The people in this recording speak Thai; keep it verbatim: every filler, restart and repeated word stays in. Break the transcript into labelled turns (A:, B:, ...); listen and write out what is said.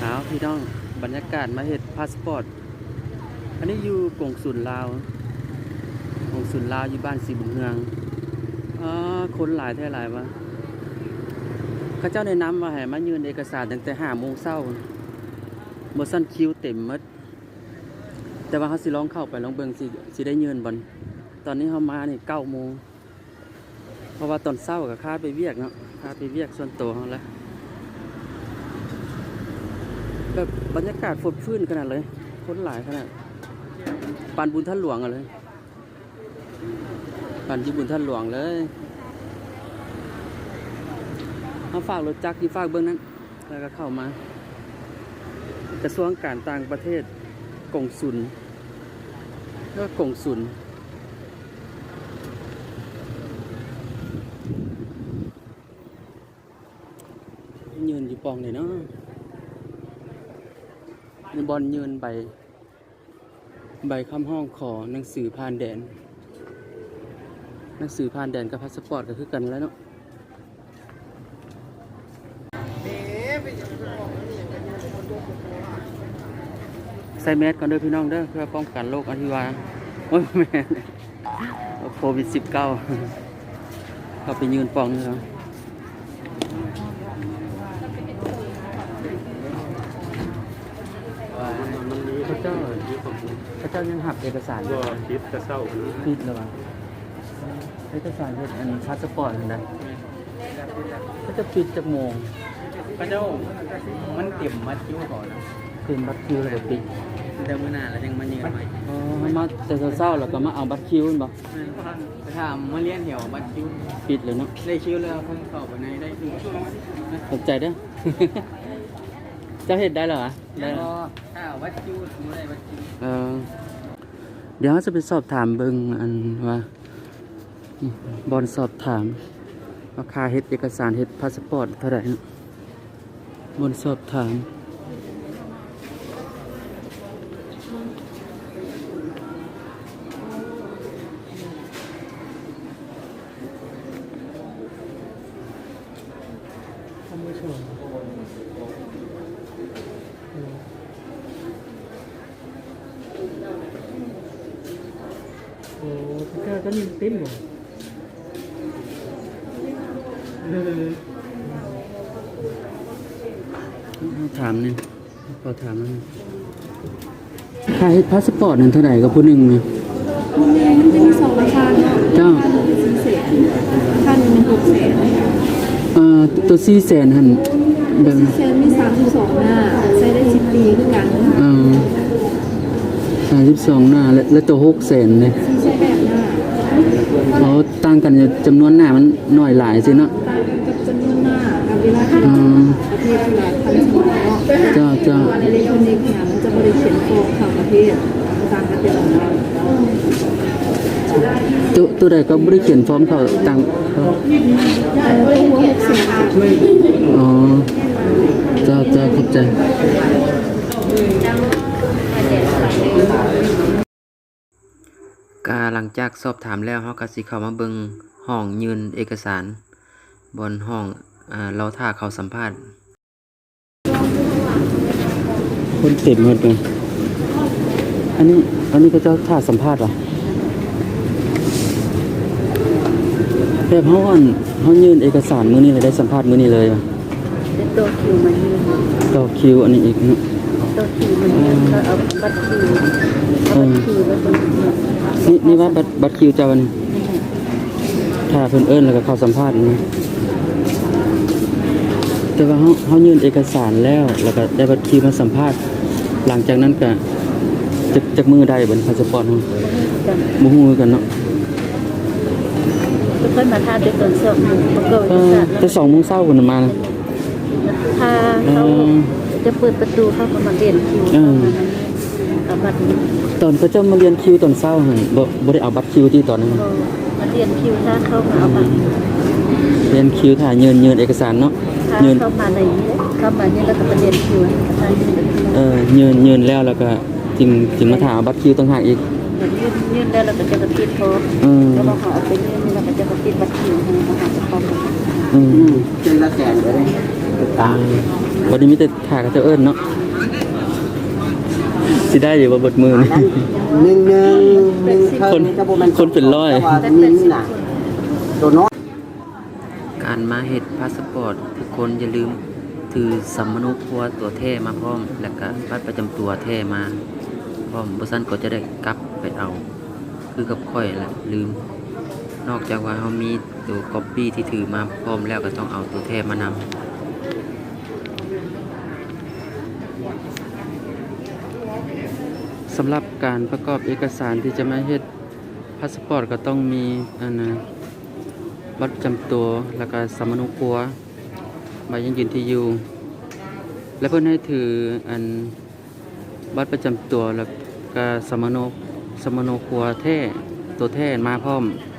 A: าวพี่น้องบรรยากาศมาเฮ็ดพาสปอร์ตอันนี้อยู่กงสุลลาวกงสุลลาวอยู่บ้านสีบุญเฮืองอ๋อคนหลายแท้หลายวะเขาเจ้าแนะนำว่าให้มายืนเอกสารตั้งแต่ห้าโมงเช้าบ่ซั่นคิวเต็มหมดแต่ว่าเขาสิลองเข้าไปลองเบิ่งสิสิได้ยืนบ่ตอนนี้เขามานี่เก้าโมงเพราะว่าตอนเช้าก็คาดไปเวียกเนาะคาดไปเวียกส่วนตัวเขาแล้วแบบบรรยากาศฝดฟื้นขนาดเลยคนหลายขนาดปานบุญท่านหลวงอะเลยปานที่บุญท่านหลวงเลยเขาฝากรถจักรที่ฝากเบื้องนั้นแล้วก็เข้ามากระทรวงการต่างประเทศกงสุลก็กงสุลยืนอยู่ปองเลยเนาะในบอลยืนใบใบคำห้องขอหนังสือผ่านแดนหนังสือผ่านแดนกับพาสปอร์ตก็คือกันแล้วเนาะใส่แมสก่อนเด้อพี่น้องเด้อเพื่อป้องกันโรคอหิวาโอ้ยแม่โควิดสิบเก้าเขาไปยืนปองนี่แล้วพระเจ้าพระเจ้ายังหับเอกสารก็คิดจะเศร้าคิดเลยวะเอกสารเป็นอันพาสปอร์ตนะก็จะปิดจากโมง
B: พระเจ้ามันเตรียมมัดคิ้วก่อนนะ
A: เตรียมบัตรคิวเลยปิด
B: แต่เมื่อนานแล้วยังมาเยือนใหม่
A: อ๋อมาแต่เศร้าแล้วก็มาเอาบัตรคิวบ่
B: ถ้ามาเลี้ยนเหี่ยวบัตรคิ้ว
A: ปิดเลยเนาะ
B: ได้คิ้วแล้วเพิ่งเข้าไปในได้ดู
A: สนใจเด้อเจ้าเห็ดได้เหรอ
B: ได้ถ้าบัตรคิ้วไม่ได้บัตรคิ้ว
A: เออเดี๋ยวจะไปสอบถามเบิ่งอันว่าบอลสอบถามราคาเฮ็ดเอกสารเฮ็ดพาสปอร์ตเท่าไหร่บอลสอบถามโอ้พี่ก้าก็นิ่งเต็มเลยถามเนี่ยขอถามนั่นค่าเฮ็ดพาสปอร์ตนั่นเท่าไหร่กับผู้หนึ่งเนี่ย
C: มันจะมีสองราคาเนาะ
A: เจ้า
C: สี่แสนราคาหนึ่งเป็นหกแสน
A: เอ่อตัวสี่แสนหัน
C: เดิมสี่แสนมีสามสิบสองหน้าใช้ได้สิบปีคือกัน
A: เออสามสิบสองหน้าและและตัวหกแสนเนี่ย
C: สี่ใช้แบบหน้า
A: เขาตั้งกันจำนวนหน้ามันหน่อยหลายสิเนาะ
C: ต่างกันกับจำนวนหน้ากับเวลาที่ประเทศที่หลายพันสมัยเนาะ
A: เจ้าเจ้า
C: ในอิเล็กทรอนิกส์เนี่ยมันจะบริเขียนโครงข่าวประเทศต่างกันเป็นของเรา
A: ตัวตัวใดก็บริเขียนพร้อมเขาตั้งเขา
C: ตัวหัวหกสิบ
A: อ๋อเจ้าเจ้าขอบใจกาหลังจากสอบถามแล้วเขาก็สิเข้ามาเบิ่งห้องยืนเอกสารบนห้องอ่าเราท่าเขาสัมภาษณ์คนเต็มหมดเลยอันนี้อันนี้ก็เจ้าท่าสัมภาษณ์เหรอแบบเขาอ่อนเขายืนเอกสารมื้อนี้เลยได้สัมภาษณ์มื้อนี้เลยอ่ะ
C: ตัวคิวมันยืน
A: ตัวคิวอันนี้อีกเนาะ
C: ตัวคิวมันยืนเขาเอาบัตรคิวเอาบัตรคิวไว้บน
A: นี่นี่ว่าบัตรบัตรคิวเจ้าวันถ้าเพิ่นเอิ้นแล้วก็เข้าสัมภาษณ์นี่แต่ว่าเขาเขายื่นเอกสารแล้วแล้วก็ได้บัตรคิวมาสัมภาษณ์หลังจากนั้นก็จะจักมือได้บนพาสปอร์ตเฮาบ่ฮู้กันเนาะ
C: เพิ่นมาทาด้วยตอนสองโมงประกอบเอกสาร
A: แต่สองโมงเช้าเพิ่นมา
C: ถ้าเขาจะเปิดประตูเขาก็มาเรียนคิวเอาบัตร
A: ตอนเขาเจ้ามาเรียนคิวตอนเช้าหั่นบ่บ่ได้เอาบัตรคิวที่ตอนนั้น
C: มาเรียนคิวถ้าเขามาเอาบัตร
A: เรียนคิวถ่ายยืนยืนเอกสารเนาะ
C: ยืนเข้ามาในเข้ามาเนี่ยแล้วก็มาเรียนคิว
A: เออยืนยืนแล้วแล้วก็จึงจึงมาถามบัตรคิวต่างหากอีก
C: ยืนยืนแล้วเราก็จะมาติดโทรแล้วเราขอเอาไปยืนแล้วก็จะมาติดบัตรคิวให้เขาหาจะพร้อม
A: อืม
B: อืมเจนละแสนเลยตาม
A: วันนี้มีแต่ถ่ายกับเจ้าเอิ้นเนาะสิได้อยู่บ่เบดมือนี่
B: หนึ่งหนึ่งหนึ่งเทิ
A: คน
B: จะบ่แม่
A: คนเป็นร้อย
B: แต่ว่านิ้นน่ะตัวน้อย
A: การมาเฮ็ดพาสปอร์ตทุกคนอย่าลืมถือสัมมนุครัวตัวแท้มาพร้อม แล้วก็บัตรประจำตัวแท้มาพร้อมบ่ซั่นก็จะได้กลับไปเอา คือกับข่อยแหละลืม นอกจากว่าเฮามีตัวก๊อปปี้ที่ถือมาพร้อมแล้วก็ต้องเอาตัวแท้มานำสำหรับการประกอบเอกสารที่จะมาเฮ็ดพาสปอร์ตก็ต้องมีอันนะบัตรประจำตัวแล้วก็สำมนุครัวใบยังยืนที่อยู่ และเพิ่นให้ถืออันบัตรประจำตัวแล้วก็สำมนุสำมนุครัวแท้ตัวแท้มาพร้อม